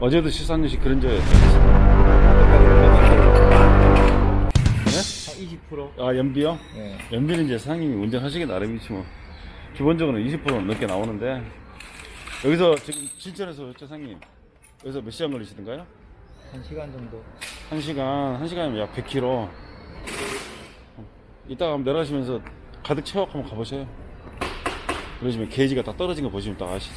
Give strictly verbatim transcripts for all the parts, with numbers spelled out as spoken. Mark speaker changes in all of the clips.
Speaker 1: 어제도 십삼 년씩 그랜저였어요. 네?
Speaker 2: 한 이십 퍼센트?
Speaker 1: 아, 연비요?
Speaker 2: 네.
Speaker 1: 연비는 이제 사장님이 운전하시기 나름이지 뭐. 기본적으로는 이십 퍼센트 넘게 나오는데, 여기서 지금 진천에서 였죠, 사장님? 여기서 몇 시간 걸리시던가요?
Speaker 2: 한 시간 정도.
Speaker 1: 한 시간, 한 시간이면 약 백 킬로미터. 이따가 한번 내려가시면서 가득 채워갖고 한번 가보세요. 그러시면 게이지가 다 떨어진 거 보시면 딱 아시지.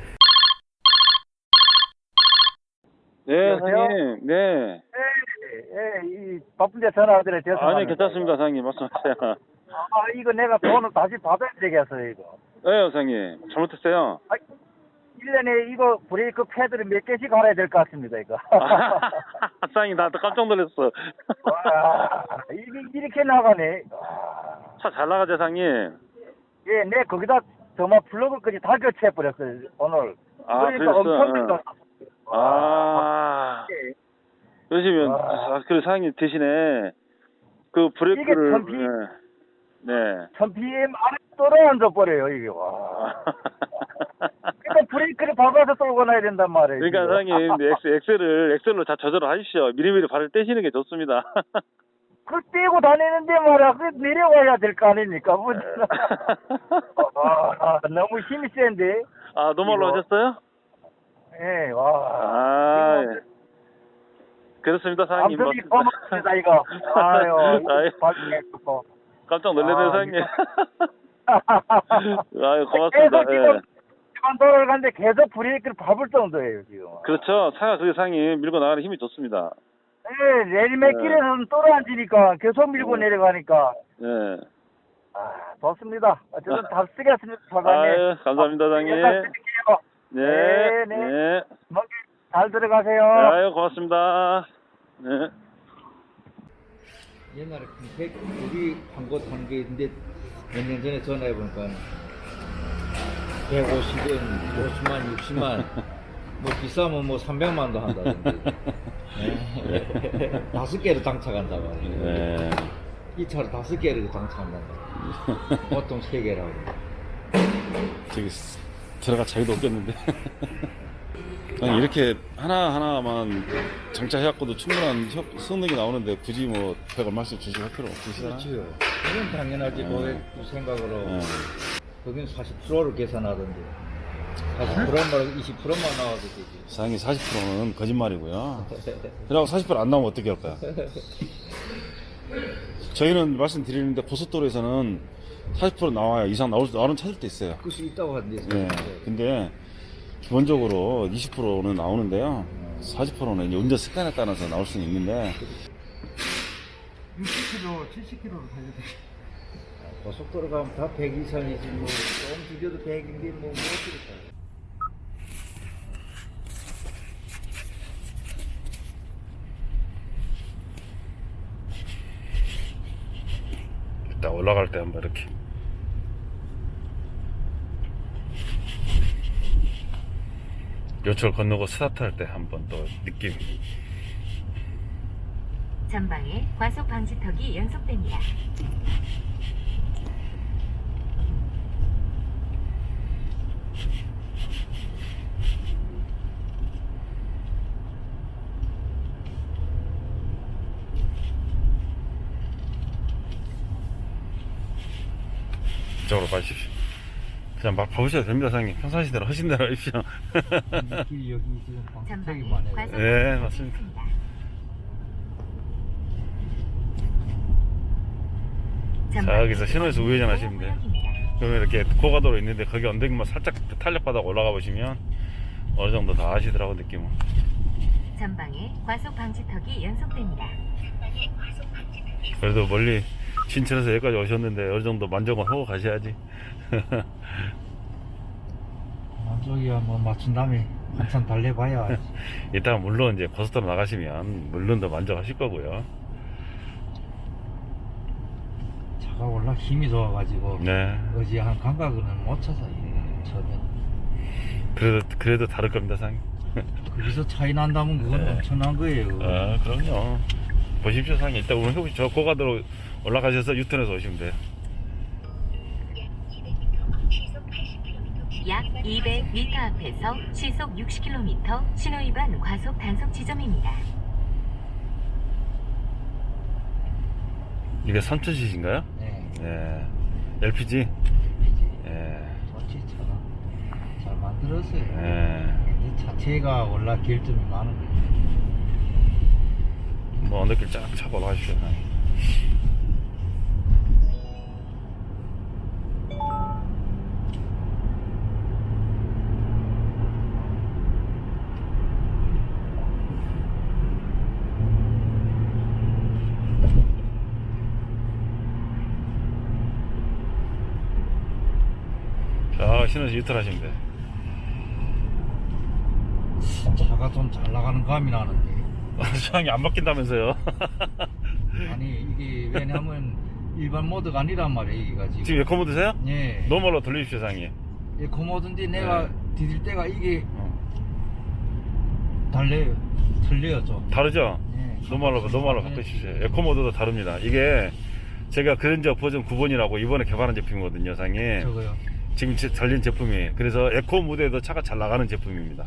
Speaker 1: 네,
Speaker 3: 여보세요?
Speaker 1: 사장님. 네.
Speaker 3: 예, 이 바쁜데 전화드려 죄송합니다.
Speaker 1: 아니, 괜찮습니다, 사장님. 말씀하세요.
Speaker 3: 아, 이거 내가 돈을 다시 받아야 되겠어요, 이거.
Speaker 1: 네, 사장님. 잘못했어요.
Speaker 3: 아, 일 년에 이거 브레이크 패드를 몇 개씩 갈아야 될 것 같습니다, 이거.
Speaker 1: 사장님, 나도 깜짝 놀랐어.
Speaker 3: 와, 이게 이렇게 나가네. 와.
Speaker 1: 차 잘 나가죠, 사장님?
Speaker 3: 예, 내 거기다 정말 플러그까지 다 교체해버렸어요, 오늘.
Speaker 1: 아,
Speaker 3: 그러니까
Speaker 1: 그랬어?
Speaker 3: 엄청
Speaker 1: 응.
Speaker 3: 비싸.
Speaker 1: 아.
Speaker 3: 예.
Speaker 1: 그러시면,
Speaker 3: 와.
Speaker 1: 아, 그래, 사장님 대신에 그 브레이크를.
Speaker 3: 이게 천 피-
Speaker 1: 네. 네.
Speaker 3: 천 피엠 안에 떨어앉아 버려요, 이게. 와. 그러니까 브레이크를 밟아서 떨고 나야 된단 말이에요.
Speaker 1: 그러니까
Speaker 3: 지금.
Speaker 1: 사장님, 엑- 엑셀을, 엑셀로 다 조절을 하십시오. 미리미리 발을 떼시는 게 좋습니다.
Speaker 3: 그걸 떼고 다니는데 말이야. 그 내려와야 될 거 아닙니까? 뭐. 아, 너무 힘이 센데.
Speaker 1: 아, 노말로
Speaker 3: 이거.
Speaker 1: 하셨어요?
Speaker 3: 예, 와.
Speaker 1: 아,
Speaker 3: 이거
Speaker 1: 예. 그렇습니다, 사장님.
Speaker 3: 암송이 고맙습니다, 이거. 아유,
Speaker 1: 아유,
Speaker 3: 발전했고.
Speaker 1: 깜짝 놀랐네요,
Speaker 3: 아,
Speaker 1: 사장님.
Speaker 3: 이거.
Speaker 1: 아유, 고맙습니다.
Speaker 3: 계속 지금
Speaker 1: 예.
Speaker 3: 일반 도로를 가는데 계속 브레이크를 밟을 정도예요, 지금.
Speaker 1: 그렇죠. 차가 그게 사장님 밀고 나가는 힘이 좋습니다.
Speaker 3: 예, 내리막길에서는 떨어앉으니까 계속 밀고
Speaker 1: 네.
Speaker 3: 내려가니까.
Speaker 1: 예.
Speaker 3: 아, 좋습니다. 어쨌든 다 쓰겠습니다, 사장님.
Speaker 1: 아유, 감사합니다, 사장님.
Speaker 3: 일단 드릴게요.
Speaker 1: 네.
Speaker 3: 네, 네.
Speaker 1: 네.
Speaker 3: 먼 길 잘 들어가세요.
Speaker 1: 아유, 고맙습니다. 네.
Speaker 2: 옛날에 백, 우리 광고 타는 게 있는데 몇 년 전에 전화해 보니까 백오십 원, 오십만, 육십만, 뭐 비싸면 뭐 삼백만도 한다던데. 네. 다섯 개를 장착한다고 하네.
Speaker 1: 네.
Speaker 2: 이 차를 다섯 개를 장착한단다. 보통 세 개라고.
Speaker 1: 저기 들어가 자기도 없겠는데. 아니, 이렇게 하나하나만 장착해갖고도 충분한 효- 성능이 나오는데 굳이 뭐 백 얼마씩 주시고 할 필요 없으시잖아요.
Speaker 2: 그렇죠. 그건 당연하지.
Speaker 1: 네.
Speaker 2: 고객 생각으로.
Speaker 1: 네.
Speaker 2: 거긴 사십 퍼센트를 계산하던데. 사십 퍼센트만 이십 퍼센트만 나와도 되지.
Speaker 1: 사장님 사십 퍼센트는 거짓말이고요. 그러고 사십 퍼센트 안 나오면 어떻게 할까요? 저희는 말씀드리는데 고속도로에서는 사십 퍼센트 나와야 이상 나올, 나오는 차들도 있어요.
Speaker 2: 그럴 수 있다고 하는데.
Speaker 1: 네. 근데 기본적으로 이십 퍼센트는 나오는데요. 사십 퍼센트는 이제 운전 습관에 따라서 나올 수는 있는데
Speaker 3: 육십 킬로미터, 칠십 킬로미터 달려도
Speaker 2: 고속도로 가면 다 백 이상이지 뭐 조금 줄여도 백인데 뭐 못 줄였다.
Speaker 1: 일단 올라갈 때 한번 이렇게 요철 건너고 스타트할 때 한번 또 느낌.
Speaker 4: 전방에 과속 방지턱이 연속됩니다.
Speaker 1: 이쪽으로 가십시오. 그냥 막 가보셔도 됩니다, 사장님. 평상시 대로 하신 대로 하십시오.
Speaker 2: 길이 여기 지금 방석이
Speaker 4: 전방에
Speaker 2: 많아요.
Speaker 4: 과속
Speaker 1: 네,
Speaker 4: 방지턱이
Speaker 1: 맞습니다.
Speaker 4: 있습니다.
Speaker 1: 저기서 신호에서 우회전 하시면 돼요.
Speaker 4: 구역입니다.
Speaker 1: 그러면 이렇게 고가도로 있는데 거기 언덕만 살짝 탄력바닥 올라가 보시면 어느 정도 다 아시더라고 느낌은.
Speaker 4: 전방에 과속 방지턱이 연속됩니다.
Speaker 1: 그래도 멀리 신천에서 여기까지 오셨는데 어느 정도 만족은 하고 가셔야지.
Speaker 2: 만족이야 뭐 맞춘 다음에 한참 달래봐야.
Speaker 1: 이따가 물론 이제 고속도로 나가시면 물론 더 만족하실 거고요.
Speaker 2: 차가 워낙 힘이 좋아가지고
Speaker 1: 네.
Speaker 2: 어지 한 감각은 못 찾아 이래 처음에.
Speaker 1: 그래도 그래도 다를 겁니다, 사장님.
Speaker 2: 거기서 차이 난다면 그건
Speaker 1: 네.
Speaker 2: 엄청난 거예요.
Speaker 1: 아, 그럼요. 보십시오, 사장님. 일단 오늘 혹시 저 고가도로 올라가셔서 유턴해서 오시면 돼요.
Speaker 4: 약 이백 미터 앞에서 시속 육십 킬로미터 신호위반 과속 단속 지점입니다.
Speaker 1: 이게 삼천 씨씨인가요?
Speaker 2: 네.
Speaker 1: 예. 엘피지? 예.
Speaker 2: 좋지 차가 잘 만들었어요.
Speaker 1: 예.
Speaker 2: 이 자체가 원래 결점이 많은 거예요.
Speaker 1: 뭐 언덕길 쫙 차고 올라가십시오. 자, 신호시 유턴하시면 돼.
Speaker 2: 차가 좀 잘 나가는 감이 나는데.
Speaker 1: 수상이 안 바뀐다면서요?
Speaker 2: 아니 이게 왜냐면 일반 모드가 아니란 말이에요 이게가 지금.
Speaker 1: 지금 에코 모드세요?
Speaker 2: 예.
Speaker 1: 노멀로 돌리십시오, 상이.
Speaker 2: 에코 모드인데 내가
Speaker 1: 네.
Speaker 2: 디딜 때가 이게
Speaker 1: 어.
Speaker 2: 달래요. 틀려요 좀.
Speaker 1: 다르죠?
Speaker 2: 예.
Speaker 1: 노멀로, 노멀로 바꾸십시오. 에코 모드도 다릅니다. 이게 제가 그랜저 버전 구 번이라고 이번에 개발한 제품이거든요, 상이.
Speaker 2: 저거요.
Speaker 1: 지금 제- 달린 제품이. 그래서 에코 모드에도 차가 잘 나가는 제품입니다.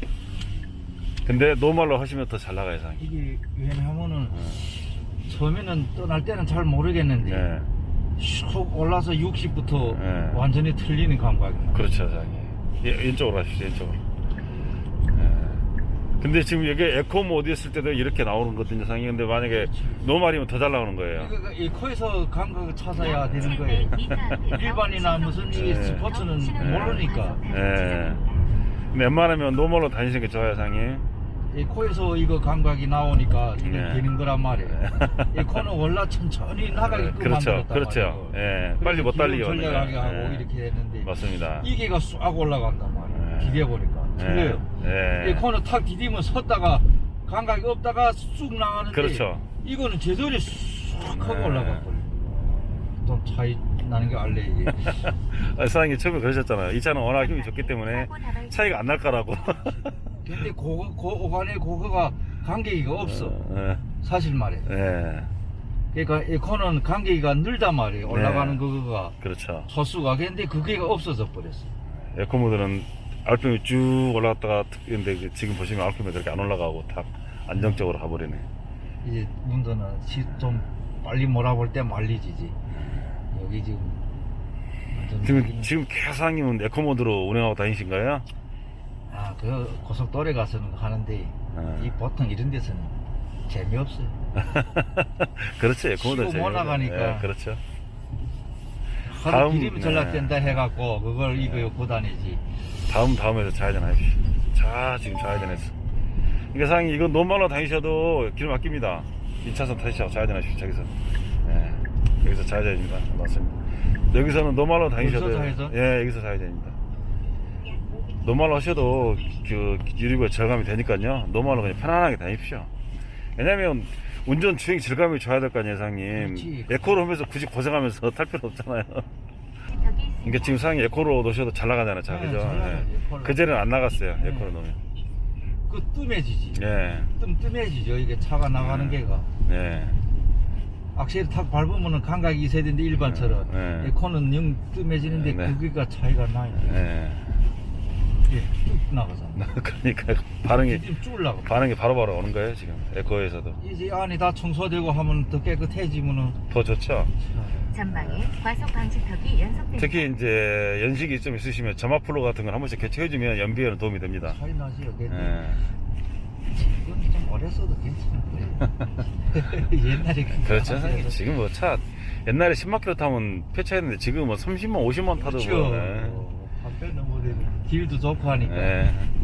Speaker 1: 근데 노멀로 하시면 더 잘 나가요, 상이.
Speaker 2: 이게 왜냐하면은 처음에는 떠날 때는 잘 모르겠는데
Speaker 1: 네.
Speaker 2: 슉 올라서 육십부터
Speaker 1: 네.
Speaker 2: 완전히 틀리는 감각이.
Speaker 1: 그렇죠, 상이. 예, 왼쪽으로 하십시오, 왼쪽으로. 예. 근데 지금 이게 에코 모드 했을 때도 이렇게 나오는 거거든요, 상이. 근데 만약에 노멀이면 더 잘 나오는 거예요.
Speaker 2: 이거 이 코에서 감각을 찾아야
Speaker 4: 약
Speaker 2: 되는 거예요.
Speaker 4: 칠백 미터 앞에서
Speaker 2: 일반이나
Speaker 4: 시속
Speaker 2: 무슨
Speaker 4: 육십
Speaker 2: 이
Speaker 1: 네.
Speaker 2: 스포츠는
Speaker 4: 신호위반
Speaker 2: 모르니까.
Speaker 4: 과속 단속
Speaker 1: 예.
Speaker 4: 지점입니다.
Speaker 1: 근데 웬만하면 노멀로 다니시는 게 좋아요, 상이.
Speaker 2: 이 코에서 이거 감각이 나오니까 이게
Speaker 1: 네.
Speaker 2: 되는 거란 말이에요. 이 코는 원래 천천히 나가게끔
Speaker 1: 그렇죠,
Speaker 2: 만들었단
Speaker 1: 그렇죠.
Speaker 2: 말이에요.
Speaker 1: 예, 빨리 못 달리게
Speaker 2: 기름 전략하게
Speaker 1: 하니까.
Speaker 2: 하고
Speaker 1: 예.
Speaker 2: 이렇게 됐는데
Speaker 1: 맞습니다.
Speaker 2: 이게가 쑥 올라간단 말이에요.
Speaker 1: 예.
Speaker 2: 기대 보니까
Speaker 1: 예.
Speaker 2: 틀려요.
Speaker 1: 예.
Speaker 2: 이 코는 탁 디디면 섰다가 감각이 없다가 쑥 나가는데
Speaker 1: 그렇죠.
Speaker 2: 이거는 제자리 쑥 하고
Speaker 1: 네.
Speaker 2: 올라가버려요. 좀 차이 나는 게 알래 이게.
Speaker 1: 아, 사장님 처음에 그러셨잖아요. 이 차는 워낙 힘이 좋기 때문에 차이가 안 날 거라고.
Speaker 2: 근데 그거 그 오간에 그거가 간격이가 없어.
Speaker 1: 예.
Speaker 2: 사실 말이에요.
Speaker 1: 예.
Speaker 2: 그러니까 이 코는 간격이가 늘단 말이에요. 올라가는
Speaker 1: 네.
Speaker 2: 그거가
Speaker 1: 그렇죠.
Speaker 2: 소수가. 근데 그게 없어져 버렸어.
Speaker 1: 에코 모드는 알평이 쭉 올라갔다가 근데 지금 보시면 알평이 이렇게 안 올라가고 딱 안정적으로 가버리네.
Speaker 2: 이제 문제는 시- 좀 빨리 몰아볼 때 말리지지. 여기 지금 완전
Speaker 1: 지금
Speaker 2: 여기는-
Speaker 1: 지금 계상님은 에코 모드로 운행하고 다니신 거예요?
Speaker 2: 아, 그 고속도로에 가서는 하는데
Speaker 1: 아.
Speaker 2: 이 보통 이런 데서는 재미없어요.
Speaker 1: 그렇지, 에코 모드
Speaker 2: 쉬고 못 나가니까.
Speaker 1: 예, 그렇죠.
Speaker 2: 하루
Speaker 1: 다음,
Speaker 2: 기름이 전락된다
Speaker 1: 네.
Speaker 2: 해갖고 그걸 이거 입고 다니지.
Speaker 1: 다음 다음에서 좌회전 하십시오. 자, 지금 좌회전했어. 그러니까 상이 이거 노멀로 다니셔도 기름 아낍니다. 이 차선 타시고 좌회전 하십시오. 저기서. 예. 여기서 좌회전입니다. 맞습니다. 여기서는 노멀로 다니셔도
Speaker 2: 여기서 좌회전?
Speaker 1: 예, 여기서 좌회전입니다. 노멀로 하셔도 그 유리구에 절감이 되니까요. 노멀로 그냥 편안하게 다니십시오. 왜냐면 운전 주행 질감이 좋아야 될 거 아니에요, 상님.
Speaker 2: 그렇지.
Speaker 1: 에코로 하면서 굳이 고생하면서 탈 필요 없잖아요. 그러니까 지금 상이 에코로 놓으셔도 잘 나가잖아요, 자,
Speaker 2: 네,
Speaker 1: 그죠?
Speaker 2: 잘 나가요, 에코로.
Speaker 1: 그제는 안 나갔어요,
Speaker 2: 네.
Speaker 1: 에코로 놓으면.
Speaker 2: 그 뜸해지지.
Speaker 1: 예,
Speaker 2: 뜸뜸해지죠. 이게 차가 나가는
Speaker 1: 네.
Speaker 2: 게가.
Speaker 1: 네,
Speaker 2: 악셀 탁 밟으면은 감각이 있어야 되는데 일반처럼.
Speaker 1: 네.
Speaker 2: 이 코는 영 뜸해지는데
Speaker 1: 네.
Speaker 2: 그게가 차이가 나요.
Speaker 1: 예.
Speaker 2: 이게 뚝 나가잖아.
Speaker 1: 그러니까 반응이
Speaker 2: 지금 쭉 올라가.
Speaker 1: 반응이 바로바로 오는 거예요, 지금 에코에서도.
Speaker 2: 이제 안이 다 청소되고 하면 더 깨끗해지면은
Speaker 1: 더 좋죠.
Speaker 4: 전방에 과속 방지턱이 연속됩니다.
Speaker 1: 특히 이제 연식이 좀 있으시면 점화 플로 같은 걸 한 번씩 교체해주면 연비에는 도움이 됩니다.
Speaker 2: 차이 나지요. 근데
Speaker 1: 예.
Speaker 2: 이건 좀 오래 써도 괜찮을 거예요. 옛날에 그
Speaker 1: 그렇죠.
Speaker 2: 앞에서
Speaker 1: 지금 뭐 차 옛날에 십만 킬로 타면 폐차했는데 지금 뭐 삼십만, 오십만 타도
Speaker 2: 그렇죠.
Speaker 1: 뭐, 예.
Speaker 2: 한배 넘어되는 길도 좋고 하니까.
Speaker 1: 예.